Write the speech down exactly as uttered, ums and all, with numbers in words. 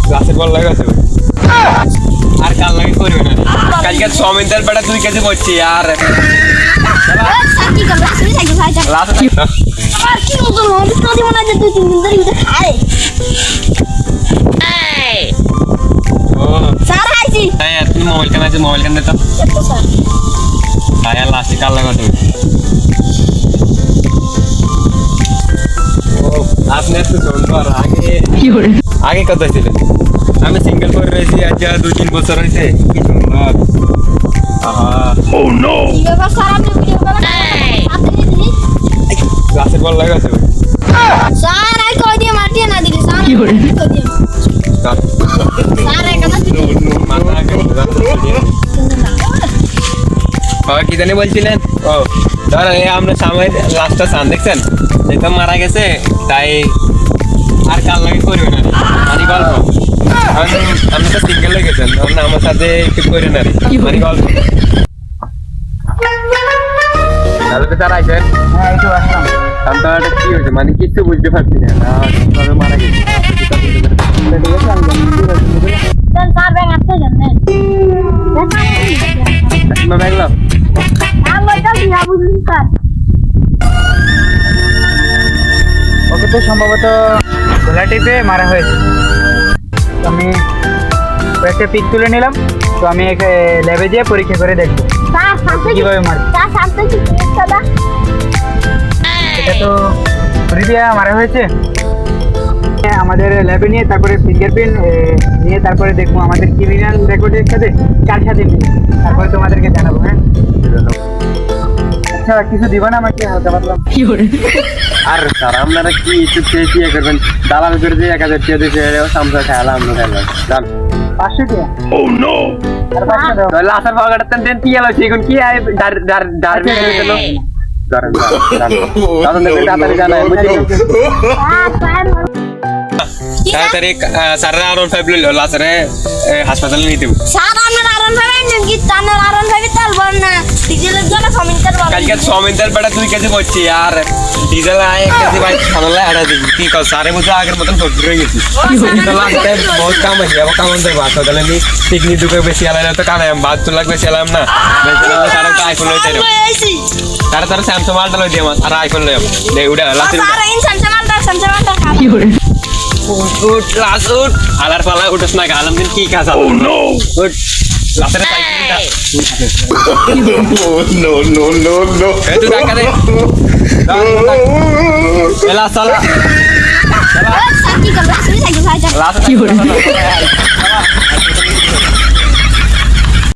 ক্লাসে বল লাগাছে আর কাল লাগে করবে না কালকে সমিন্দার বেটা দুই কেজি পড়ছি আর সাকি কাল লাস্ট সাইকেল ফাইটা লাস্ট আর কি মতো হবে তো মনে হয় দুই তিন দিন ধরে এটা খায় এই ও স্যার আইছি তাই তুমি মোবাইল কেন আছে মোবাইল কেন তো তো স্যার তাই লাস্টে কাল লাগাছে আপনি তো সুন্দর আগে আগে কত ছিল আমি সিঙ্গেল করে রয়েছি আজ দুই তিন বছর হয়েছে কি সুন্দর আহা ও নো কি ব্যাপার স্যার আপনি ভিডিও করেন আপনি দিদি ক্লাসে বল লাগাছে স্যার আই কই দিয়ে মাটিয়ে না দিলি স্যার কি করে কই দিয়ে স্যার একা না দিলি মাথা আগে বাবা কি জানি বলছিলেন ও ধর এই আমরা সামনে লাস্টটা সান দেখছেন এটা মারা গেছে তাই আর কাল লাগে করবে না মানে গল্প আমি তো সিঙ্গেল হয়ে গেছেন আমার সাথে একটু করে না মানে গল্প তাহলে তো তার আইসেন হ্যাঁ এই তো আসলাম তাহলে কি হয়েছে মানে কিছু বুঝতে পারছি না তবে মারা গেছে স্যার স্যার ব্যাগ আসতে জানেন মা ব্যাগলো আমি বলতাম কি বুঝুন স্যার ওকে তো সম্ভবত গলা টিপে মারা হয়েছে তো আমি কয়েকটা পিক তুলে নিলাম তো আমি ল্যাবে যেয়ে পরীক্ষা করে দেখবো স্যার সাথে কিভাবে মারে স্যার সাথে কি দাদা এটা তো ছুরি দিয়ে মারা হয়েছে আমাদের ল্যাবে নিয়ে তারপরে ফিঙ্গারপ্রিন্ট নিয়ে তারপরে দেখবো আমাদের ক্রিমিনাল রেকর্ডের সাথে কার সাথে মিলে তারপরে তোমাদেরকে জানাবো হ্যাঁ আচ্ছা কিছু দিবা না আমাকে হালকা পাতলা আর স্যার আপনারা কি একটু চেয়ে চেয়ে করবেন দালাল করে দিয়ে এক হাজার চেয়ে দিয়েছে সামসা খেয়ালাম আমরা খেলাম জান পাঁচশো টাকা ও নো আর পাঁচশো দাও তাহলে আসার পাওয়াটাতেন দেন কি এলো এখন কি আই ডার ডার ডার বেরিয়ে গেল দাঁড়ান দাঁড়ান দাঁড়ান দেখুন তাড়াতাড়ি জানাই বুঝলি স্যার স্যার তাড়াতাড়ি স্যাররা আরন ফাইভ লইলো লাস্টে হাসপাতালে নিয়ে দেব স্যার আপনার আরন ভাই নেন কি তানের আরন ভাই তালবন না ডিজেলের জন্য কমিন্টার বল কালকে সমিন্দার বেটা দুই কেজি পড়ছি আর ডিজেল আয় এক কেজি ভাই খানালে আড়া দিবি কি কর সারে বছর আগের মতন ফটো হয়ে গেছি তো লাস্টে বহুত কাম হয়েছে আবার কাম আনতে বাদ তাহলে আমি পিকনিক দুকে বেশি আলাদা তো কানাই বাদ তো লাগবে সেলাম না বেশি তারা তো আইফোন লইতে রে তারা তারা স্যামসাং মালটা লই দিয়ে আর আইফোন লই দে উড়া লাস্টে স্যার ইন সামসামালটা সামসামালটা কি করে উঠ লাস্ট উঠ আলার পালা উঠছ না গালাম দিন কি কাজ ও নো উঠ লাস্টে সাইকেলটা no, no, no, no. এ তুই টাকা দে এলা সালা স্যার কি করব লাস্ট সাইকেল ফাইটা লাস্ট কি করে